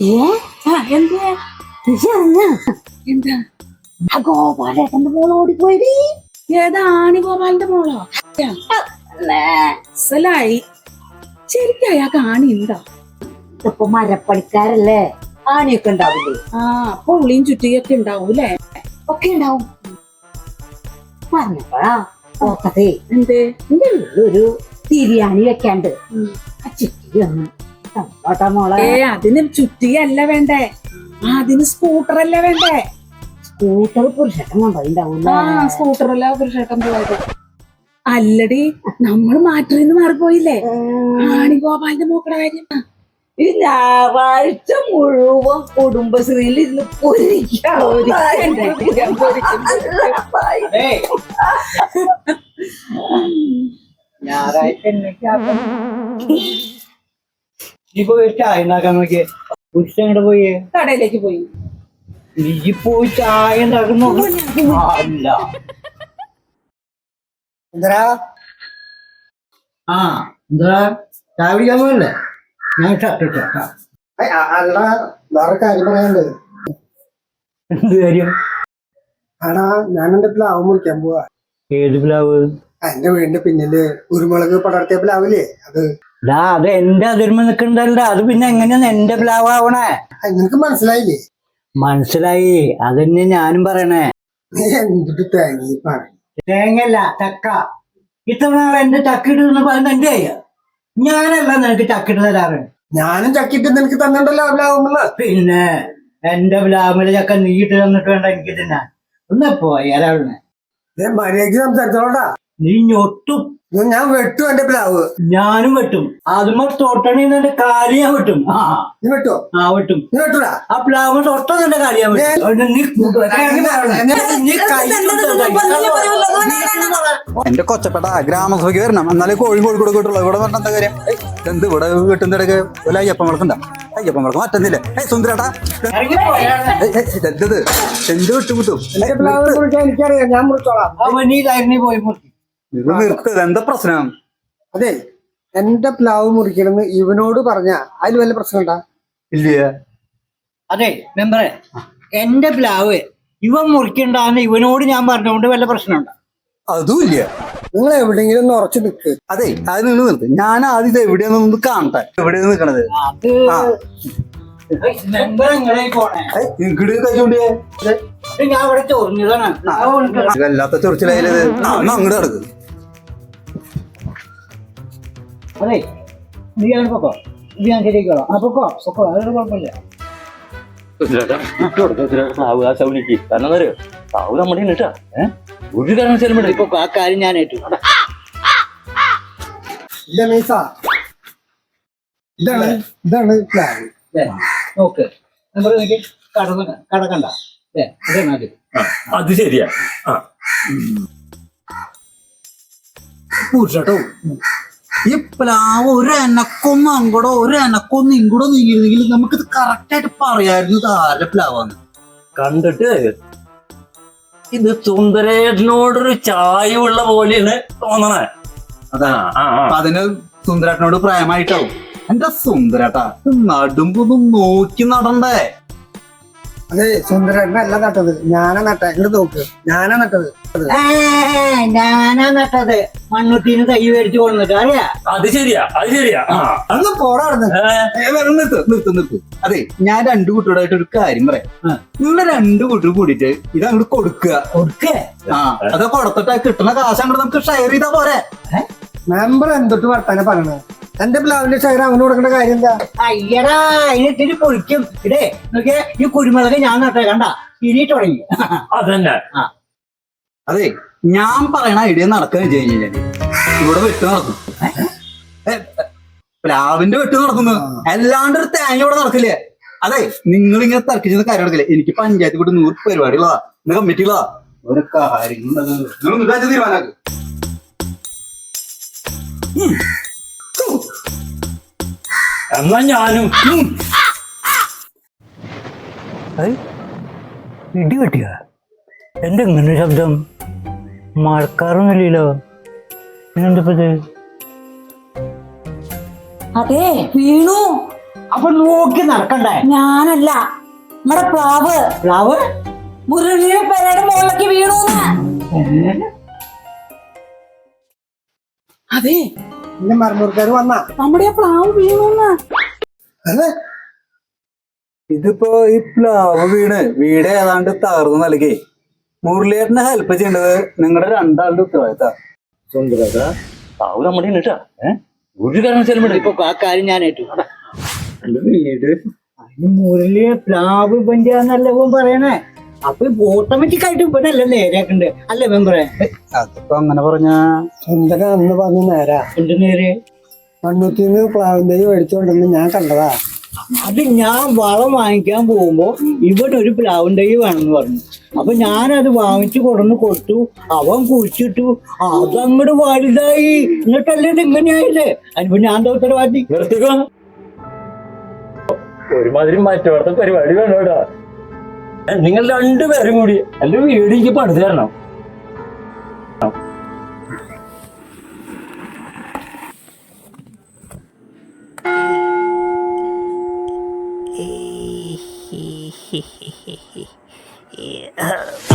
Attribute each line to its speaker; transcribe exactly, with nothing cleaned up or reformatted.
Speaker 1: എന്താ എന്താ
Speaker 2: ഗോപാലേട്ടന്റെ മോള് ഓടിപ്പോയി.
Speaker 1: ഏതാ ആണി ഗോപാലിന്റെ മോളോ? മനസ്സിലായി. ശരിക്കും അയാൾക്ക് ആണി ഉണ്ടോ?
Speaker 2: ഇപ്പൊ മരപ്പണിക്കാരല്ലേ, ആണിയൊക്കെ ഉണ്ടാവില്ലേ?
Speaker 1: ആ അപ്പൊ ഉള്ളിയും ചുറ്റിയൊക്കെ ഉണ്ടാവൂലേ?
Speaker 2: ഒക്കെ ഉണ്ടാവും. പറഞ്ഞപ്പോഴാ ഓർത്തതേ,
Speaker 1: എന്തേ
Speaker 2: എന്റെ വീട്ടിലൊരു തിരിയാണി വെക്കാണ്ട് ചുറ്റി വന്ന് തന്നോട്ടാ മോളെ.
Speaker 1: ഏ അതിന് ചുറ്റിയല്ല വേണ്ടേ, അതിന് സ്കൂട്ടർ അല്ലേ വേണ്ടേ?
Speaker 2: സ്കൂട്ടർ പുരുഷട്ടം കൊണ്ടുണ്ടാവൂല.
Speaker 1: ആ സ്കൂട്ടറല്ല പുരുഷേട്ടൻ പോയത്. അല്ലടി നമ്മൾ മാറ്ററിന്ന് മാറിപ്പോയില്ലേ ആണി ഗോപാലിന്റെ മോക്കടെ കാര്യം.
Speaker 2: ഈ ഞായറാഴ്ച മുഴുവൻ കുടുംബശ്രീയിൽ ഇരുന്ന് പൊരിക്കാം.
Speaker 3: ഞായറാഴ്ച നീ പോയി ചായ ഉണ്ടാക്കാൻ നോക്കിയേ. പുരുഷ എങ്ങോട്ട് പോയി?
Speaker 1: കടയിലേക്ക് പോയി.
Speaker 3: നീ പോയി ചായ ഉണ്ടാക്കുന്നു. അല്ല
Speaker 4: എന്താ
Speaker 3: ആ എന്താ ചായ പിടിക്കാൻ പോയല്ലേ? ഞാൻ ഷർട്ട്
Speaker 4: അല്ല, വേറെ കാര്യം പറയാനുണ്ട്.
Speaker 3: എന്ത് കാര്യം?
Speaker 4: ആടാ, ഞാൻ എന്റെ പ്ലാവ് മുറിക്കാൻ പോവാ.
Speaker 3: ഏത് പ്ലാവ്?
Speaker 4: എന്റെ വീടിന്റെ പിന്നില് കുരുമുളക് പടർത്തിയ പ്ലാവില്ലേ അത്.
Speaker 3: ഡാ അത് എന്റെ അതിർമ നിക്കണ്ടല്ല, അത് പിന്നെ എങ്ങനെയാ എന്റെ പ്ലാവ് ആവണേ?
Speaker 4: നിനക്ക് മനസ്സിലായില്ലേ?
Speaker 3: മനസ്സിലായി, അതന്നെ ഞാനും പറയണേ.
Speaker 4: നീ എന്തിട്ട് തേങ്ങി പറ.
Speaker 3: തേങ്ങല്ല ചക്ക. ഇത്ര നാളെ എന്റെ ചക്ക ഇടുന്ന പറയുന്നത് എന്റെ അയ്യ. ഞാനല്ല നിനക്ക് ചക്കിട്ട് തരാറ്.
Speaker 4: ഞാനും ചക്കിട്ട് നിനക്ക് തന്നിട്ടല്ലോ പ്ലാവുമ്പള്.
Speaker 3: പിന്നെ എന്റെ പ്ലാവിലെ ചക്ക നീ ഇട്ട് തന്നിട്ട് വേണ്ട എനിക്ക് തിന്നാൻ. ഒന്ന് പോയാലാണ്
Speaker 4: മര്യാദക്ക് സംസാരിച്ചോടാ.
Speaker 3: നീ ഞൊട്ടും.
Speaker 4: ഞാൻ വെട്ടും എന്റെ പ്ലാവ്.
Speaker 3: ഞാനും വെട്ടും. അതുമ്പോ തൊട്ടണിന്റെ കാലി ഞാൻ വെട്ടും. ആ
Speaker 4: നീ വെട്ടോ?
Speaker 3: ആ വെട്ടും.
Speaker 4: നീ വെട്ടൂടാ?
Speaker 3: ആ പ്ലാവ് തൊട്ടതിന്റെ കാര്യം
Speaker 5: എന്റെ കൊച്ചപ്പെട്ട ഗ്രാമസഭയ്ക്ക് വരണം, എന്നാലേ കോഴി കോഴിക്കോട് കിട്ടുള്ളൂ. ഇവിടെ പറഞ്ഞ എന്താ കാര്യം? എന്ത് ഇവിടെ വീട്ടിന്റെ ഇടയ്ക്ക് ഒരു അയ്യപ്പം വിളക്കുണ്ടാ? അയ്യപ്പം വിളക്ക് മറ്റന്നില്ലേ? ഏയ് സുന്ദരേട്ടാ, എന്തത് എന്ത് വിട്ടു കിട്ടും?
Speaker 4: എനിക്കറിയാം, ഞാൻ മുറിച്ചോളാം.
Speaker 3: നീ കാര്യം പോയി
Speaker 5: ഇത് നിർത്തത് എന്താ പ്രശ്നം?
Speaker 4: അതെ, എന്റെ പ്ലാവ് മുറിക്കണമെന്ന് ഇവനോട് പറഞ്ഞ അതിൽ വല്ല പ്രശ്നം ഉണ്ടാ?
Speaker 5: ഇല്ല.
Speaker 3: അതെ മെമ്പറെ, എന്റെ പ്ലാവ് ഇവൻ മുറിക്കണ്ടാന്ന് ഇവനോട് ഞാൻ പറഞ്ഞുകൊണ്ട് വല്ല പ്രശ്നമുണ്ടോ?
Speaker 5: അതും ഇല്ല.
Speaker 4: നിങ്ങൾ എവിടെയെങ്കിലും ഒന്ന് ഉറച്ചു നിൽക്ക്.
Speaker 5: അതെ, അത് നിങ്ങൾ നിർത്ത്. ഞാൻ ആദ്യം ഇത് എവിടെയാന്ന് കാണട്ടെ. എവിടെയാണ് നിൽക്കണത്?
Speaker 3: അത് മെമ്പർ എങ്ങനെ പോണേ?
Speaker 5: ഇങ്ങോട്ട് കഴിച്ചോണ്ടേ
Speaker 3: ഞാൻ ഇവിടെ ചൊറിഞ്ഞതാണ്.
Speaker 5: വല്ലാത്ത ചൊറിച്ചിലായത്. അങ്ങോട്ട് കിടക്ക്.
Speaker 3: അതെ നീ ഞാൻ പൊക്കോ, ഇത് ഞാൻ ശരിയാക്കോളാം. ആ പൊക്കോ പൊക്കോ, അതൊരു കുഴപ്പമില്ല.
Speaker 6: ഒരു കാരണവശാലും
Speaker 3: ഇപ്പൊ ആ കാര്യം ഞാൻ ഏറ്റു.
Speaker 4: ഇല്ല മീസ, ഇതാണ് ഇതാണ് പ്ലാവ്.
Speaker 3: നോക്ക് മെമ്പർ, എനിക്ക് കടന്ന കടക്കണ്ട. അതേ മതി.
Speaker 6: അത് ശരിയാ.
Speaker 5: പൂച്ചട്ടോ, ഈ പ്ലാവ് ഒരു എനക്കൊന്നും അങ്ങോട്ടോ ഒരു എനക്കൊന്നും ഇങ്ങോട്ടോ നീങ്ങിയിരുന്നെങ്കിൽ നമുക്കിത് കറക്റ്റ് ആയിട്ട് പറയായിരുന്നു ഇത് ആരുടെ പ്ലാവാന്ന്.
Speaker 6: കണ്ടിട്ട് ഇത് സുന്ദരേട്ടനോടൊരു ചായവുള്ള പോലെയാണ് തോന്നണേ.
Speaker 5: അതാ അതിന് സുന്ദരേട്ടനോട് പ്രേമായിട്ടാവും. എന്റെ സുന്ദരേട്ടാ, നടുമ്പൊന്നും നോക്കി നടണ്ടേ?
Speaker 4: അതെ, സുന്ദരനല്ല നട്ടത്, ഞാനാ നട്ട. ഇങ്ങോട്ട് നോക്ക്, ഞാനാ നട്ടത്.
Speaker 3: ഞാനാ നട്ടത്. മണ്ണുട്ടീന് തൈ മേടിച്ചു കൊണ്ടിട്ട് അറിയാ.
Speaker 6: അത് ശരിയാ, അത് ശരിയാ.
Speaker 4: അന്ന് പോടാടുന്നു.
Speaker 5: നിർത്ത് നിർത്ത് നിർത്ത്. അതെ, ഞാൻ രണ്ടു കുട്ടിയോടായിട്ട് ഒരു കാര്യം പറയാം. നിങ്ങള് രണ്ടു കുട്ടി കൂടിയിട്ട് ഇത് അങ്ങോട്ട് കൊടുക്കുക.
Speaker 3: കൊടുക്കേ?
Speaker 5: ആ, അത് കൊടുത്തിട്ട് കിട്ടുന്ന കാശ് അങ്ങോട്ട് നമുക്ക് ഷെയർ ചെയ്താ പോരെ?
Speaker 4: മെമ്പർ എന്തൊട്ട് വർത്താനം പറയണത്? എന്റെ പ്ലാവിന്റെ ഷെയർ അവന് കൊടുക്കേണ്ട കാര്യം എന്താ?
Speaker 3: അയ്യടാ, അതിനിട്ടിട്ട് പൊളിക്കും. ഇടേ നോക്കിയേ, ഈ കുരുമുളക് ഞാൻ നട്ടേ കണ്ട ഇനി തുടങ്ങി.
Speaker 6: അതന്നെ.
Speaker 5: അതെ, ഞാൻ പറയണ ഐഡിയ നടക്കാന്ന് വെച്ച് കഴിഞ്ഞാല് ഇവിടെ വെട്ട് നടക്കും. പ്ലാവിന്റെ വെട്ട് നടക്കുന്നു, അല്ലാണ്ട് ഒരു തേങ്ങ ഇവിടെ നടക്കില്ലേ? അതെ, നിങ്ങൾ ഇങ്ങനെ തർക്കിച്ചത് കാര്യം നടക്കില്ലേ? എനിക്ക് പഞ്ചായത്ത് കൂടി നൂറ് പരിപാടികളാ, ഇന്ന് കമ്മിറ്റികളാ, ഒരു കാര്യങ്ങൾ നിങ്ങൾ തീരുമാനാക്ക്.
Speaker 6: എന്നാ ഞാനും
Speaker 3: ഇടി വെട്ടിയ എന്റെ ഇങ്ങനെ ശബ്ദം? മഴക്കാറൊന്നുമില്ലല്ലോ. എന്തപ്പത്?
Speaker 2: അതെ വീണു,
Speaker 3: അപ്പൊ നോക്കി നടക്കണ്ടേ?
Speaker 2: ഞാനല്ല, നമ്മുടെ പ്ലാവ്
Speaker 3: പ്ലാവ്
Speaker 2: മുരളിയുടെ പേരയുടെ മുകളിലേക്ക് വീണൂന്ന്.
Speaker 1: അതെ,
Speaker 4: എന്റെ മരമുറിക്കാർ വന്നാ
Speaker 1: നമ്മുടെ ആ പ്ലാവ് വീണോന്ന്.
Speaker 4: അതെ
Speaker 5: ഇതിപ്പോ ഈ പ്ലാവ് വീണ് വീട് ഏതാണ്ട് തകർന്നു നൽകി മുരളിയേട്ടനെ ഹെൽപ്പ് ചെയ്യേണ്ടത് നിങ്ങളുടെ രണ്ടാളുടെ ഉത്തരവാദിത്ത.
Speaker 6: സുന്ദരേട്ടാ പാവ നമ്മുടെ കേട്ടാ ഏഹ് ഒരു കാരണവശാലും
Speaker 3: ഇപ്പൊ ആ കാര്യം ഞാൻ ഏറ്റു.
Speaker 5: വീട്
Speaker 3: അതിന് മുരളിയെ പ്ലാവ് പഞ്ചാന്നല്ല ഇവൻ പറയണേ. അപ്പൊ ഓട്ടോമാറ്റിക് ആയിട്ട് ഇവനല്ല നേരെയാക്കണ്ട് അല്ലേ മെമ്പറെ?
Speaker 5: അതിപ്പോ അങ്ങനെ പറഞ്ഞ
Speaker 4: സുന്ദരൻ അന്ന് പറഞ്ഞ നേരാ.
Speaker 3: എന്ത് നേരെ?
Speaker 4: മണ്ണുത്തിന്ന് പ്ലാവും തൈ മേടിച്ചോണ്ടെന്ന് ഞാൻ കണ്ടതാ.
Speaker 3: അത് ഞാൻ വളം വാങ്ങിക്കാൻ പോകുമ്പോ ഇവനൊരു പ്ലാവും തൈ വേണമെന്ന് പറഞ്ഞു. അപ്പൊ ഞാനത് വാങ്ങിച്ചു കൊടുന്ന് കൊടുത്തു. അവൻ കുഴിച്ചിട്ടു, അതങ്ങോട്ട് വലുതായി. എന്നിട്ടല്ലേ ഇത് ഇങ്ങനെയായില്ലേ? അതിനിപ്പോ ഞാൻ എന്താ ഉത്തരവാദി?
Speaker 6: നിർത്തിക്കോ. ഒരുമാതിരി മറ്റോടത്തെ പരിപാടി വേണോടാ. നിങ്ങൾ രണ്ടുപേരും കൂടി എന്റെ വീട് എനിക്ക് പണിത് തരണം.
Speaker 7: Yeah.